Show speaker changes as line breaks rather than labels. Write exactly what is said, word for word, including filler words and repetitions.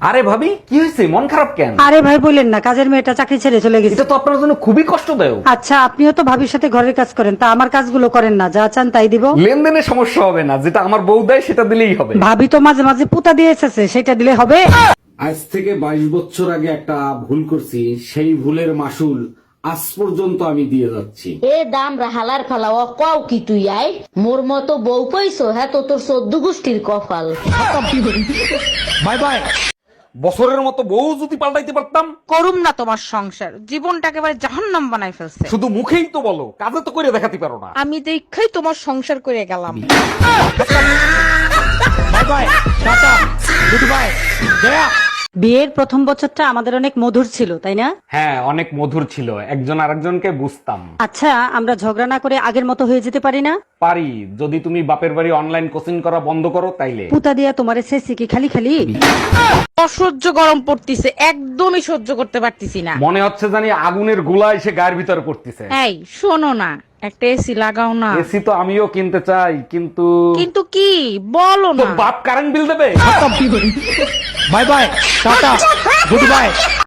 আরে ভাবি কি হয়েছে, মন খারাপ কেন?
আরে ভাই বললেন না, কাজের মেয়েটা চাকরি ছেড়ে চলে গেছে।
এটা তো আপনার জন্য খুবই কষ্টদায়ক।
আচ্ছা, আপনিও তো ভাবির সাথে ঘরের কাজ করেন, তা আমার কাজগুলো করেন না, যা চান তাই দিব।
লেনদেনে সমস্যা হবে না, যেটা আমার বউ দেয় সেটা দিলেই হবে।
ভাবি তো মাঝে মাঝে পুতা দিয়ে এসেছে, সেটা দিলে হবে।
আজ থেকে বাইশ বছর আগে একটা ভুল করছি, সেই ভুলের মাসুল আজ পর্যন্ত আমি দিয়ে যাচ্ছি।
এ দাম হালার ফালা ও কও কি তুই আই মোর মতো বউ পাইছো, হ্যাঁ তো তোর চোদ্দ গোষ্ঠীর কপাল।
Bye bye. বছরের মতো বউ যদি পাল্টাইতে পারতাম।
করুম না তোমার সংসার, জীবনটা একেবারে জাহান্নাম বানাই ফেলছে।
শুধু মুখেই তো বলো, কাজে তো করে দেখাতে পারো না।
আমি দেখাই তোমার সংসার করে গেলাম।
Bye bye, tata, good bye, গয়া।
বিয়ের প্রথম বছরটা আমাদের অনেক মধুর ছিল, তাই না?
হ্যাঁ, অনেক মধুর ছিল, একজন আরেকজনকে বুঝতাম।
আচ্ছা, আমরা ঝগড়া না করে আগের মতো হয়ে যেতে পারি না?
পারি, যদি তুমি বাপের বাড়ি অনলাইন কোচিং করা বন্ধ করো তাইলে।
পুতা দিয়া তোমারে শেষে কি খালি খালি?
অসহ্য গরম পড়তিছে, একদমই সহ্য করতে পারতিছি না।
মনে হচ্ছে জানি আগুনের গোলা এসে গায়ের ভিতরে পড়তেছে।
এই শোনো না, একটা এসি লাগাও না।
এসি তো আমিও কিনতে চাই, কিন্তু
কিন্তু কি বলো
তো
না।
বাপ কারেন্ট বিল দেবে। Bye bye, tata, good by.